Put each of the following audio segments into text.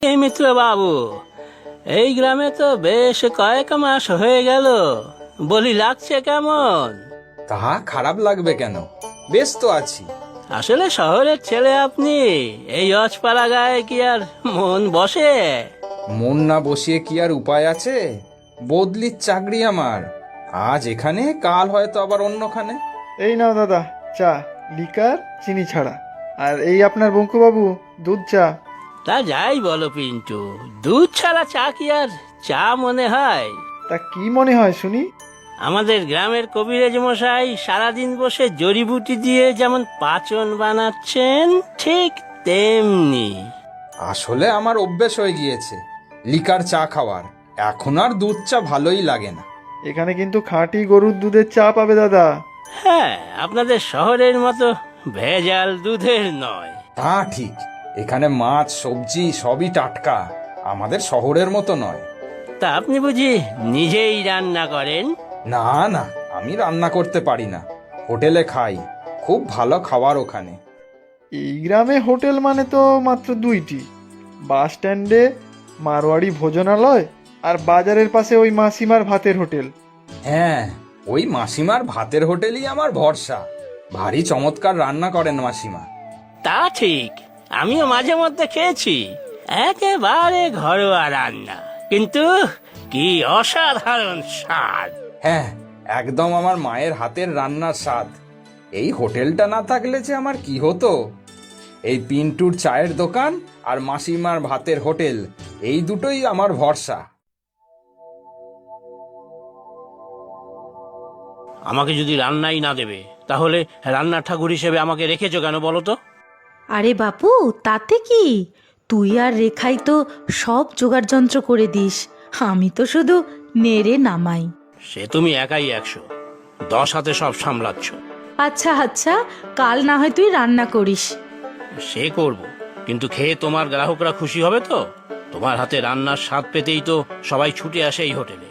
এই মিত্র বাবু, এই গ্রামে তো বেশ কয়েক মাস হয়ে গেল, বলি লাগছে কেমন? তা খারাপ লাগবে কেন? বেশ তো আছি। আসলে শহরের ছেলে আপনি, এই অজপাড়া গায়ে কি আর মন বসে? মন না বসিয়ে কি আর উপায় আছে? বদলির চাকরি আমার, আজ এখানে কাল হয়তো আবার অন্যখানে। এই নাও দাদা চা, লিকার চিনি ছাড়া। আর এই আপনার বঙ্কুবাবু দুধ চা। তা যাই বলো পিন্টু, দুধ ছাড়া চা কি আর চা মনে হয়? তা কি মনে হয় শুনি? আমাদের গ্রামের কবিরাজ মশাই সারাদিন বসে জড়িবুটি দিয়ে যেমন পাচন বানাচ্ছেন, ঠিক তেমনি। আসলে আমার অভ্যেস হয়ে গিয়েছে লিকার চা খাওয়ার, এখন আর দুধ চা ভালোই লাগে না। এখানে কিন্তু খাঁটি গরুর দুধের চা পাবে দাদা। হ্যাঁ, আপনাদের শহরের মতো ভেজাল দুধের নয়। তা ঠিক, এখানে মাছ সবজি সবই টাটকা, আমাদের শহরের মতো নয়। তা আপনি বুঝি নিজেই রান্না করেন? না না, আমি রান্না করতে পারি না, হোটেলে খাই, খুব ভালো খাবার ওখানে। এই গ্রামে হোটেল মানে তো মাত্র দুইটি, বাস স্ট্যান্ডে মারোয়াড়ি ভোজনালয় আর বাজারের পাশে ওই মাসিমার ভাতের হোটেল। হ্যাঁ, ওই মাসিমার ভাতের হোটেলই আমার ভরসা, ভারী চমৎকার রান্না করেন মাসিমা। তা ঠিক, আমিও মাঝে মধ্যে খেয়েছি, একেবারে ঘরোয়া রান্না, কিন্তু কি অসাধারণ স্বাদ। হ্যাঁ, একদম আমার মায়ের হাতের রান্নার স্বাদ। এই হোটেলটা না থাকলে যে আমার কি হতো। এই পিন্টুর চায়ের দোকান আর মাসিমার ভাতের হোটেল, এই দুটোই আমার ভরসা। আমাকে যদি রান্নাই না দেবে, তাহলে রান্নার ঠাকুর হিসেবে আমাকে রেখেছো কেন বলো তো? আরে বাপু, তাতে কি? তুই আর রেখাই তো সব জোগাড় যন্ত্র করে দিস, আমি তো শুধু নেড়ে নামাই। সে তুমি একাই 100, 10 হাতে সব সামলাচ্ছ। আচ্ছা আচ্ছা, কাল না হয় তুই রান্না করিস। সে করব, কিন্তু খেয়ে তোমার গ্রাহকরা খুশি হবে তো? তোমার হাতে রান্নার স্বাদ পেতেই তো সবাই ছুটে আসে এই হোটেলে।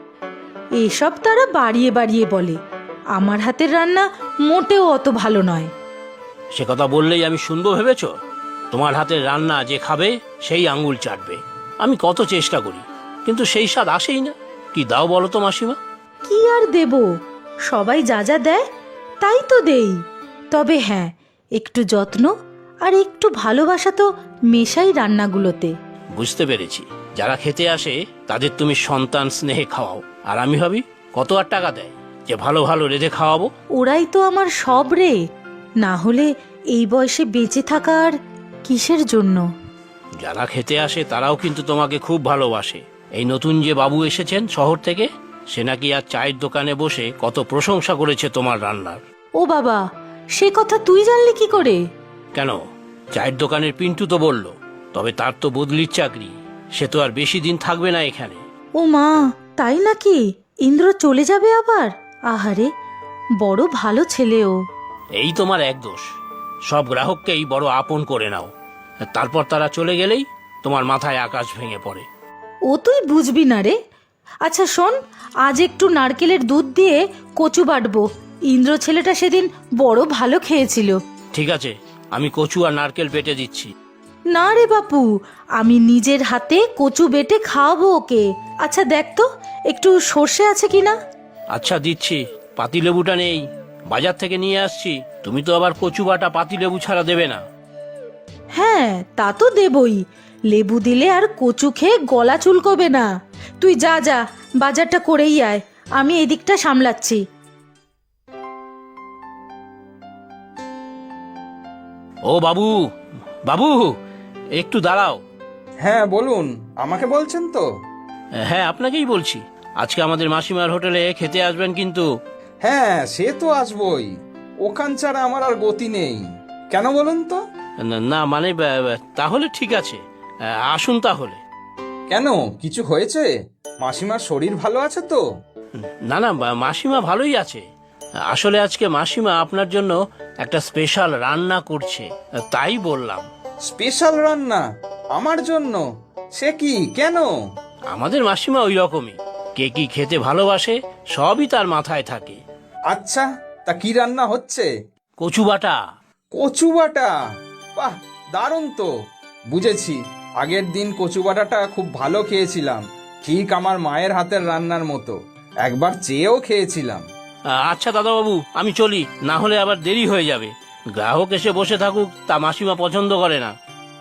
এসব তারা বাড়িয়ে বাড়িয়ে বলে, আমার হাতের রান্না মোটেও অত ভালো নয়। সে কথা বললেই আমি শুনবো ভেবেছো? তোমার হাতের রান্না যে খাবে সেই আঙ্গুল চাটবে। আমি কত চেষ্টা করি, কিন্তু সেই স্বাদ আসেই না। কি দাও বলো তো মাসিমা? কি আর দেব, সবাই যা যা দেয় তাই তো দেই। তবে হ্যাঁ, একটু যত্ন আর একটু ভালোবাসা তো মেশাই রান্নাগুলোতে। বুঝতে পেরেছি, যারা খেতে আসে তাদের তুমি সন্তান স্নেহে খাওয়াও, আর আমি ভাবি কত আর টাকা দেয় যে ভালো ভালো রেঁধে খাওয়াবো। ওরাই তো আমার সব রে, না হলে এই বয়সে বেঁচে থাকা আর কিসের জন্য? যারা খেতে আসে তারাও কিন্তু তোমাকে খুব ভালোবাসে। এই নতুন যে বাবু এসেছেন শহর থেকে, সে নাকি আর চায়ের দোকানে বসে কত প্রশংসা করেছে তোমার রান্নার। ও বাবা, সে কথা তুই জানলি কি করে? কেন, চায়ের দোকানের পিন্টু তো বলল। তবে তার তো বদলির চাকরি, সে তো আর বেশি দিন থাকবে না এখানে। ও মা, তাই নাকি? ইন্দ্র চলে যাবে আবার? আহারে, বড় ভালো ছেলে ও। এই তোমার এক দোষ, সব গ্রাহককেই বড় আপন করে নাও, তারপর তারা চলে গেলেই তোমার মাথায় আকাশ ভেঙে পড়ে। ও তুই বুঝবি না রে। আচ্ছা শোন, আজ একটু নারকেলের দুধ দিয়ে কচু বাটবো। ইন্দ্র ছেলেটা সেদিন বড় ভালো খেয়েছিল। ঠিক আছে, আমি কচু আর নারকেল বেটে দিচ্ছি। না রে বাপু, আমি নিজের হাতে কচু বেটে খাওয়াবো ওকে। আচ্ছা দেখ তো, একটু সর্ষে আছে কিনা। আচ্ছা দিচ্ছি, পাতিলেবুটা নেই, বাজার থেকে নিয়ে আসছি। তুমি তো আবার কচু বাটা পাতিলেবু ছাড়া দেবে না। হ্যাঁ, তা তো দেবই। লেবু দিলে আর কচু খেয়ে গলা চুলকোবে না। তুই যা যা, বাজারটা করেই আয়, আমি এদিকটা সামলাচ্ছি। ও বাবু, বাবু, একটু দাঁড়াও। হ্যাঁ বলুন, আমাকে বলছেন তো? হ্যাঁ, আপনাকেই বলছি। আজকে আমাদের মাসিমার হোটেলে খেতে আসবেন কিন্তু। হ্যাঁ, সে তো আসবই, ওখান ছাড়া আমার আর গতি নেই। কেন বলুন তো? না মানে তাহলে ঠিক আছে, আসুন তাহলে। কেন, কিছু হয়েছে? মাসিমার শরীর ভালো আছে তো? না না, মাসিমা ভালোই আছে। আসলে আজকে মাসিমা আপনার জন্য একটা স্পেশাল রান্না করছে, তাই বললাম। স্পেশাল রান্না আমার জন্য? সে কি, কেন? আমাদের মাসিমা ওই রকমই, কে কি খেতে ভালোবাসে সবই তার মাথায় থাকে। আচ্ছা, তা কি রান্না হচ্ছে? কচু বাটা। কচু বাটা? বাহ, দারুণ তো। বুঝেছি, আগের দিন কচু বাটাটা খুব ভালো খেয়েছিলাম, ঠিক আমার মায়ের হাতের রান্নার মতো। একবার চেয়েও খেয়েছিলাম। আচ্ছা দাদাবাবু, আমি চলি, না হলে আবার দেরি হয়ে যাবে। গ্রাহক এসে বসে থাকুক, তা মাসিমা পছন্দ করে না।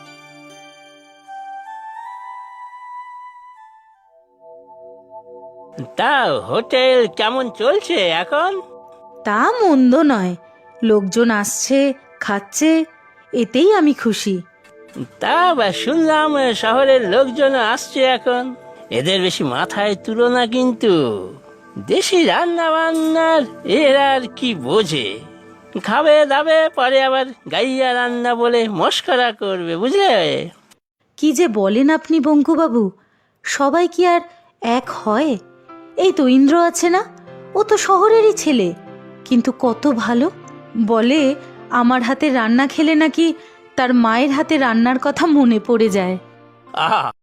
তা হোটেল কেমন চলছে এখন? তা মন্দ নয়, লোকজন আসছে, খাচ্ছে, এতেই আমি খুশি। তা শুনলাম শহরের লোকজন আসছে এখন, এদের বেশি মাথায় তুলো না কিন্তু। দেশি রান্না বান্নার এরা আর কি বোঝে, খাবে দাবে, পরে আবার গাইয়া রান্না বলে মস্করা করবে, বুঝলে? কি যে বলেন আপনি বঙ্কুবাবু, সবাই কি আর এক হয়? এই তো ইন্দ্র আছে না, ও তো শহরেরই ছেলে, কিন্তু কত ভালো। বলে আমার হাতে রান্না খেলে নাকি তার মায়ের হাতে রান্নার কথা মনে পড়ে যায়। আহা,